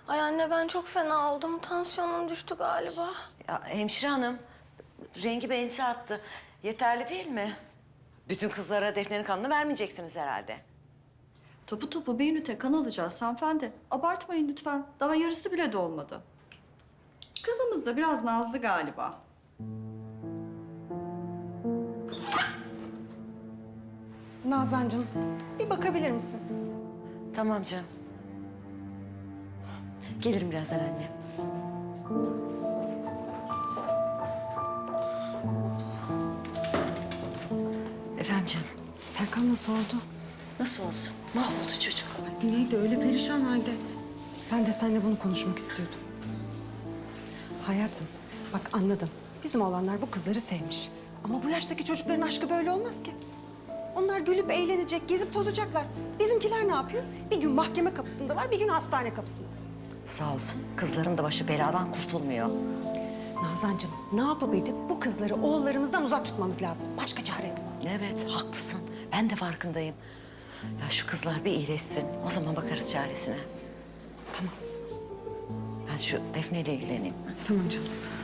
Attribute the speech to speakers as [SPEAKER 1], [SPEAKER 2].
[SPEAKER 1] Ay anne ben çok fena oldum. Tansiyonum düştü galiba.
[SPEAKER 2] Ya hemşire hanım, rengi benzi attı. Yeterli değil mi? Bütün kızlara Defne'nin kanını vermeyeceksiniz herhalde.
[SPEAKER 3] Topu topu bir ünite kan alacağız hanımefendi. Abartmayın lütfen. Daha yarısı bile dolmadı. Kızımız da biraz nazlı galiba.
[SPEAKER 4] Nazancığım, bir bakabilir misin?
[SPEAKER 2] Tamam canım. Gelirim birazdan anne. Efendim canım,
[SPEAKER 4] Serkan nasıl oldu?
[SPEAKER 2] nasıl olsun? Mahvoldu çocuk.
[SPEAKER 4] Neydi öyle perişan halde? Ben de seninle bunu konuşmak istiyordum. Hayatım, bak anladım. Bizim oğlanlar bu kızları sevmiş. Ama bu yaştaki çocukların aşkı böyle olmaz ki. Onlar gülüp eğlenecek, gezip tozacaklar. Bizimkiler ne yapıyor? Bir gün mahkeme kapısındalar, bir gün hastane kapısında.
[SPEAKER 2] Sağ olsun, kızların da başı beladan kurtulmuyor.
[SPEAKER 4] Nazancığım, ne yapıp edip bu kızları oğullarımızdan uzak tutmamız lazım. Başka çare yok.
[SPEAKER 2] Evet, haklısın. Ben de farkındayım. Ya şu kızlar bir iyileşsin, o zaman bakarız çaresine.
[SPEAKER 4] Tamam,
[SPEAKER 2] Ben şu Defne ile ilgileneyim.
[SPEAKER 4] tamam canım. Tamam.